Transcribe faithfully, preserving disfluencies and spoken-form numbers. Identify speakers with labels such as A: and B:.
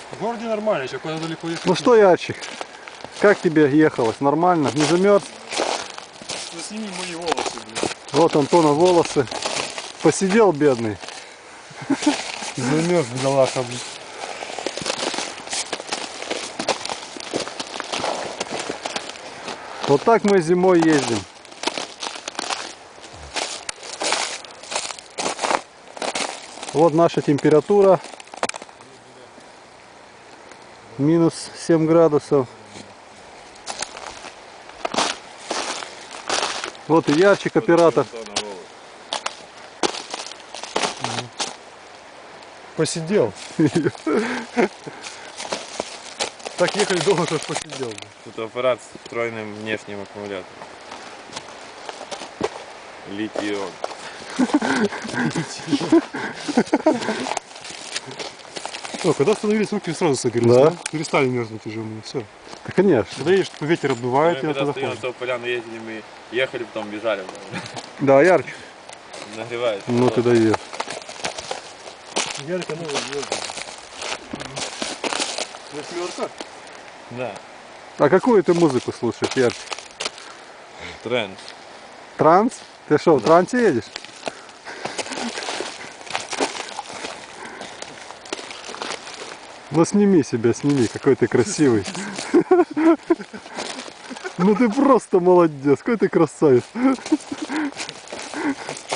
A: В городе нормально, еще куда далеко ехать.
B: Ну что, Ярчик, как тебе ехалось? Нормально? Не замерз?
A: Ну сними мои волосы, блин.
B: Вот Антона волосы. Посидел бедный.
A: Замерз, бедолаха, блин.
B: Вот так мы зимой ездим. Вот наша температура. Минус семь градусов. Вот и Ярчик, оператор.
A: Посидел. Так ехали долго, как посидел.
C: Тут аппарат с встроенным внешним аккумулятором. Литий-ион.
A: О, когда остановились, руки сразу согрелись,
B: Да.
A: да? Перестали мерзнуть уже у меня, все.
B: Да, конечно.
A: Когда едешь, ветер обдувает,
C: Мы
A: и
C: когда
A: оттуда
C: стоим на
A: холодно.
C: ту поляну ездили, мы ехали, потом бежали.
B: Да, Ярчик.
C: Нагревается.
B: Ну ты даешь.
A: Ярко новая звезда. Восьмерка?
C: Да.
B: А какую ты музыку слушаешь, Ярчик?
C: Тренд.
B: Транс? Ты что, в трансе едешь? Ну сними себя, сними, какой ты красивый. Ну ты просто молодец, какой ты красавец.